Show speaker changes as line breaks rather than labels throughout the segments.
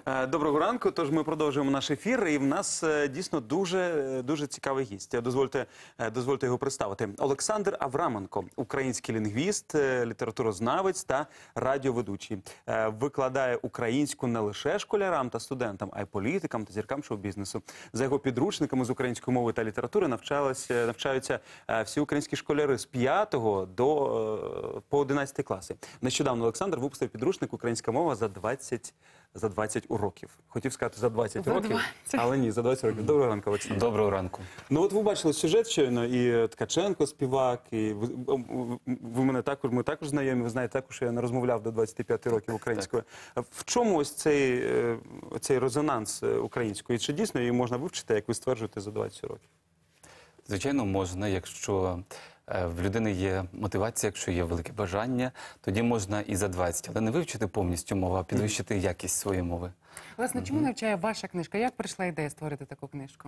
Доброго ранку. Тож ми продовжуємо наш ефір, і в нас дійсно дуже цікавий гість. Дозвольте його представити. Олександр Авраменко, український лінгвіст, літературознавець та радіоведучий. Викладає українську не лише школярам та студентам, а й політикам та зіркам шоу-бізнесу. За його підручниками з української мови та літератури навчаються всі українські школяри з 5 по 11 класи. Нещодавно Олександр випустив підручник «Українська мова за 20 уроків. Хотів сказати за 20 років, але ні, за 20 років. Доброго ранку, Олександр.
Доброго ранку.
Ну от ви бачили сюжет щойно, і Ткаченко співак, і ми також знайомі, ви знаєте також, що я не розмовляв до 25 років українською. В чому ось цей резонанс української? Чи дійсно її можна вивчити, як ви стверджуєте, за 20 років?
Звичайно, можна, якщо в людини є мотивація, якщо є велике бажання, тоді можна і за 20, але не вивчити повністю мову, а підвищити якість своєї мови.
Власне, чому навчає ваша книжка? Як прийшла ідея створити таку книжку?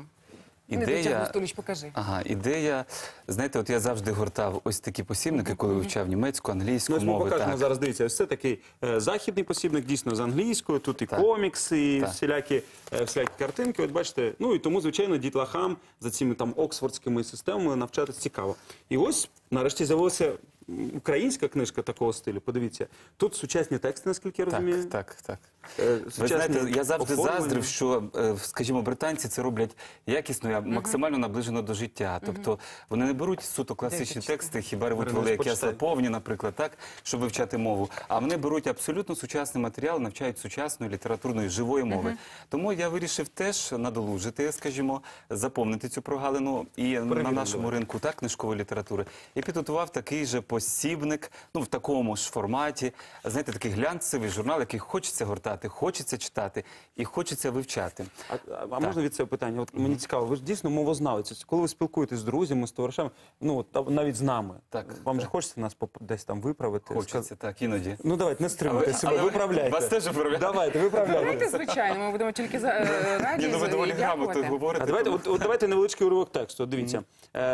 Ідея, знаєте, от я завжди гортав ось такі посібники, коли вивчав німецьку, англійську
мови.
мови.
Ми покажемо зараз, дивіться, ось це такий західний посібник, дійсно з англійською, тут і комікси, і всілякі картинки, от бачите, ну і тому, звичайно, дітлахам за цими там оксфордськими системами навчатися цікаво. І ось, нарешті, з'явилася українська книжка такого стилю, подивіться. Тут сучасні тексти, наскільки я розумію.
Так. Ви знаєте, я завжди заздрив, що, скажімо, британці це роблять якісно, максимально наближено до життя. Тобто вони не беруть суто класичні тексти, хіба ревуть великі ясла повні, наприклад, так, щоб вивчати мову. А вони беруть абсолютно сучасний матеріал, навчають сучасної літературної, живої мови. Тому я вирішив теж надолужити, скажімо, заповнити цю прогалину і на нашому ринку книжкової літератури. І підготував такий же посібник, ну, в такому ж форматі, знаєте, такий глянцевий журнал, який хочеться гортати, хочеться читати і хочеться вивчати.
А можна від цього питання? От мені цікаво, ви ж дійсно мовознавець. Коли ви спілкуєтесь з друзями, з товаришами, ну, навіть з нами, вам же хочеться нас десь там виправити?
Хочеться, так, іноді.
Ну, давайте, не стримуйте себе, виправляйте.
Вас теж виправляють?
Давайте, виправляйте.
Давайте, звичайно, ми будемо тільки раді
ви доволі грамотно говорите.
Давайте невеличкий уривок тексту. Дивіться.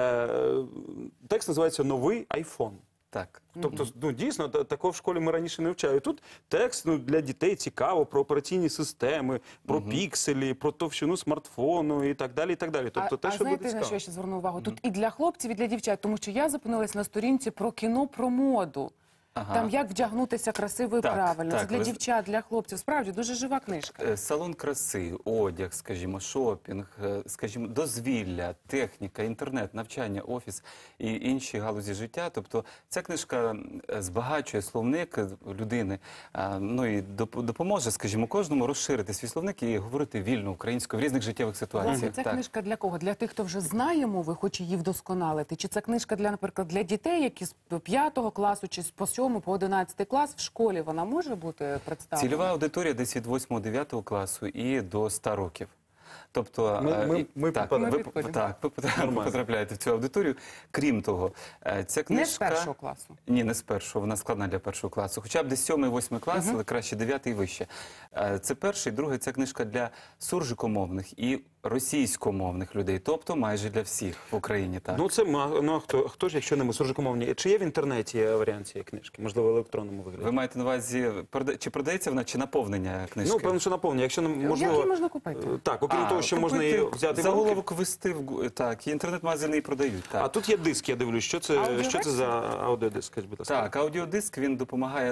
Текст називається «Новий айфон».
Так.
Тобто, ну, дійсно, такого в школі ми раніше не вчали. Тут текст для дітей цікаво про операційні системи, про пікселі, про товщину смартфону і так далі, і так далі. Тобто, те, що буде цікаво.
Знаєте, на що я ще зверну увагу? Тут і для хлопців, і для дівчат, тому що я зупинилась на сторінці про кіно, про моду. Там як вдягнутися красиво і правильно. Це для дівчат, для хлопців. Справді, дуже жива книжка.
Салон краси, одяг, скажімо, шопінг, скажімо, дозвілля, техніка, інтернет, навчання, офіс і інші галузі життя. Тобто ця книжка збагачує словник людини, ну і допоможе, скажімо, кожному розширити свій словник і говорити вільно українською в різних життєвих ситуаціях.
Це книжка для кого? Для тих, хто вже знає мови, хоче її вдосконалити? Чи це книжка, наприклад, для дітей, які з 5 класу чи з 7 по 11 клас в школі вона може бути представлена?
Цільова аудиторія десь від 8-9 класу і до 100 років. Тобто, ви потрапляєте в цю аудиторію. Крім того, ця книжка...
Не з 1 класу?
Ні, не з 1-го, вона складна для 1 класу. Хоча б десь 7-8 клас, але краще 9 і вище. Це перший, другий, ця книжка для суржикомовних і російськомовних людей, тобто майже для всіх в Україні. Так.
Ну, це, хто ж, якщо не ми, суржикомовні? Чи є в інтернеті варіант цієї книжки? Можливо, в електронному вигляді?
Ви маєте на увазі, чи продається вона, чи наповнення книжки?
Ну, певно, що наповнення. Якщо, можливо...
Як її можна купити?
Так, окрім того, що можна її взяти в руки.
Заголовок ввести, так, і інтернет-магазини її продають. Так.
А тут є диск, я дивлюсь. Що це за аудіодиск?
Так, аудіодиск, він допомагає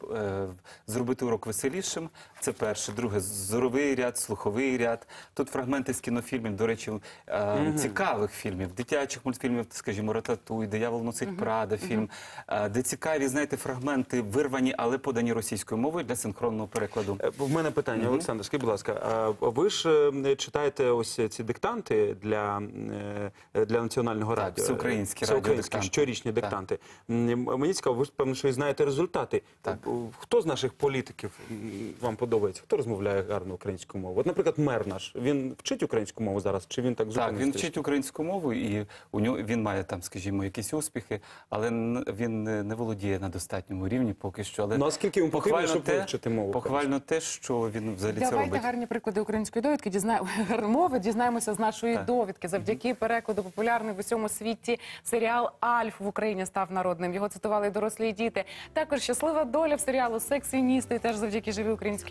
зробити урок веселішим. Це перше. Друге, зоровий ряд, слуховий ряд. Тут фрагменти з кінофільмів, до речі, цікавих фільмів, дитячих мультфільмів, скажімо, «Рататуй», «Диявол носить Прада» фільм, де цікаві, знаєте, фрагменти вирвані, але подані російською мовою для синхронного перекладу.
В мене питання, Олександр, скажіть, будь ласка, ви ж читаєте ось ці диктанти для Національного радіо?
Всеукраїнські
щорічні диктанти. Мені цікаво, ви ж, певно, що і знаєте результати. Хто з наших політиків вам подобається? Хто розмовляє гарно українську мову? От, наприклад, мер наш, він вчить українську мову зараз, чи він так зупинився?
Так, він вчить українську мову, і він має там, скажімо, якісь успіхи, але він не володіє на достатньому рівні поки що. Але
ну, а скільки йому потрібно, щоб вивчити мову?
Похвально те, що він взагалі це робить.
Давайте гарні приклади української довідки, мови дізнаємося з нашої довідки. Завдяки перекладу популярний в усьому світі серіал «Альф» в Україні став народним. Його цитували і дорослі, і діти. Також щаслива доля в серіалу «Сексіоністи» теж завдяки живій українській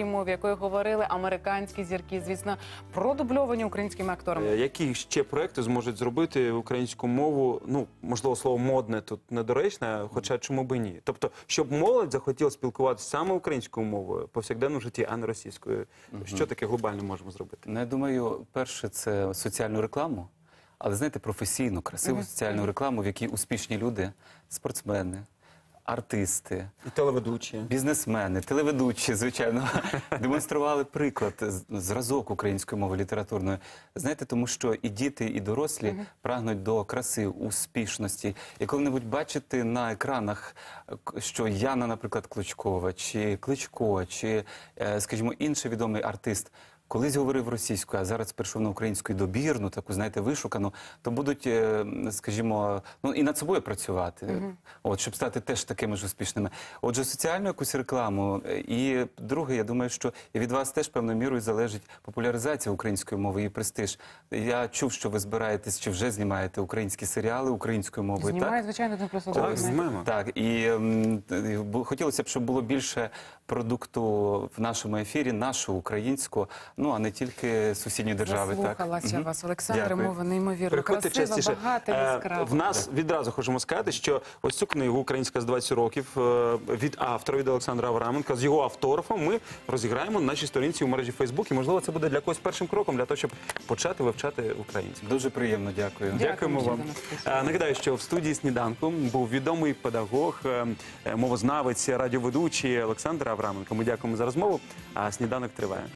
мові, якою говорили американські зірки, звісно, продубльовані українськими акторами.
Які ще проекти зможуть зробити українську мову? Ну, можливо, слово модне тут недоречне, хоча чому би ні? Тобто, щоб молодь захотіла спілкуватися саме українською мовою в повсякденному житті, а не російською. Що таке глобально можемо зробити?
Ну, я думаю, перше, це соціальну рекламу, але, знаєте, професійну, красиву соціальну рекламу, в якій успішні люди, спортсмени, артисти,
І телеведучі.
бізнесмени, телеведучі, звичайно, демонстрували приклад, зразок української мови літературної. Знаєте, тому що і діти, і дорослі прагнуть до краси, успішності. І коли-небудь бачити на екранах, що Яна, наприклад, Клочкова, чи Кличко, чи, скажімо, інший відомий артист колись говорив російською, а зараз перейшов на українську добірну, таку, знаєте, вишукану, то будуть, скажімо, ну, і над собою працювати, от, щоб стати теж такими ж успішними. Отже, соціальну якусь рекламу. І друге, я думаю, що і від вас теж певною мірою залежить популяризація української мови, її престиж. Я чув, що ви збираєтесь, чи вже знімаєте українські серіали українською мовою, так?
Знімає, звичайно, «1+1».
Так, знімаємо.
Так, і хотілося б, щоб було більше продукту в нашому ефірі, нашого, українського, ну, а не тільки сусідньої держави.
Заслухалася вас, Олександре,
Дякую.
мова неймовірно
Приходьте
красива,
частіше.
багата, яскрава.
В нас відразу хочемо сказати, що ось цю книгу «Українська з 20 років» від автора, від Олександра Авраменка, з його автографом ми розіграємо на нашій сторінці у мережі Facebook. І, можливо, це буде для когось першим кроком, для того, щоб почати вивчати українську.
Дуже приємно, дякую.
Дякуємо
що
вам.
до нас прийшли.
Нагадаю, що в студії «Сніданку» був відомий педагог, мовознавець, радіоведучий Олександр Авраменко. Ми дякуємо за розмову, а «Сніданок» триває.